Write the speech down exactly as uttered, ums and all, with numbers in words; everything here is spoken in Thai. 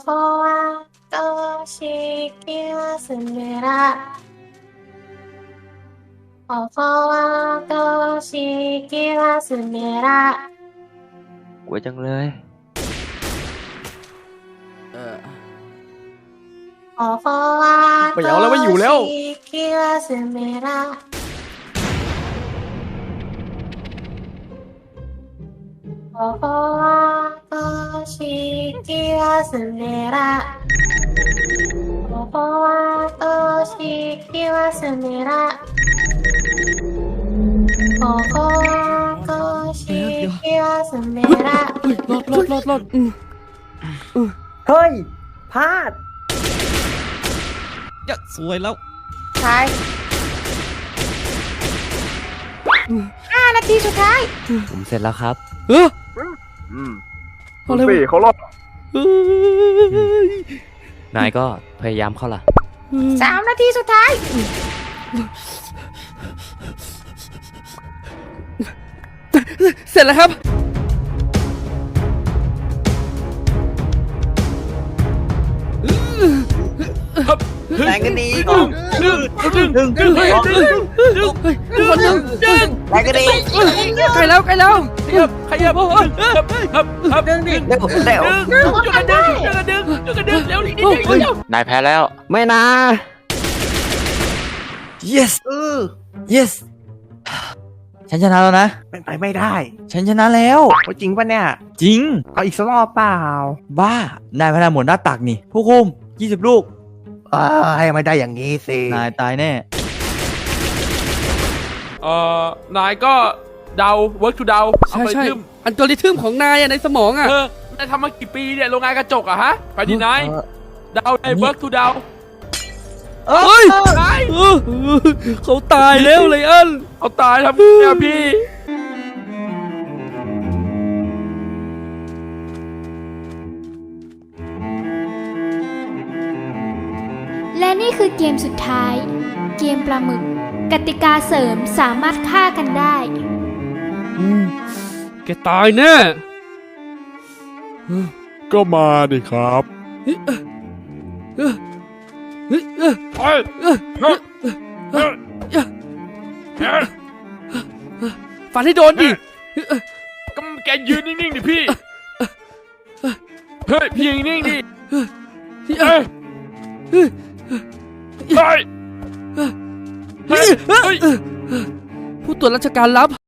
กลัวจังเลยเออไม่เอาแล้วไม่อยู่แล้วรอดรอดรอดรอดเฮ้ยพลาดจะสวยแล้วใช่ห้านาทีสุดท้ายผมเสร็จแล้วครับเอออืมอะไรวะเขารอดนายก็พยายามเข้าล่ะสามนาทีสุดท้ายเสร็จแล้วครับแรงกันดีดึงดึงดึงดึงดึงดึงดึงดึงคนดึงดึงแรงกันดีใกล้แล้วใกล้แล้วขยับขยับครับครับครับดึงดิเร็วเร็วช่วยกันดึงช่วยกันดึงช่วยกันดึงเร็วนิดนึงเร็วนายแพ้แล้วไม่นะ yes เออ yes ฉันชนะแล้วนะเป็นไปไม่ได้ฉันชนะแล้วจริงป่ะเนี่ยจริงเอาอีกสักรอบเปล่าบ้านายพนันหมดหน้าตักนี่ผู้คุมยี่สิบลูกเออให้ไม่ได้อย่างนี้สินายตายแน่เอ่อนายก็เดา work to เดาใช่ใช่อัลกอริทึมของนายในสมองอ่ะเออนายทำมากี่ปีเนี่ยโรงงานกระจกอะฮะไปดีนายเดาใน work to เดาเฮ้ยเขาตายแล้วเลยอันเอาตายทำเนี่ยพี่และนี่คือเกมสุดท้ายเกมปลาหมึกกติกาเสริมสามารถฆ่ากันได้แกตายแน่ก็มาดิครับฟันให้โดนดิก็แกยืนนิ่งๆดิพี่เฮ้ยพี่ยืนนิ่งดิเฮ้ยเฮ้ยเฮ้ยผู้ตรวจราชการลับ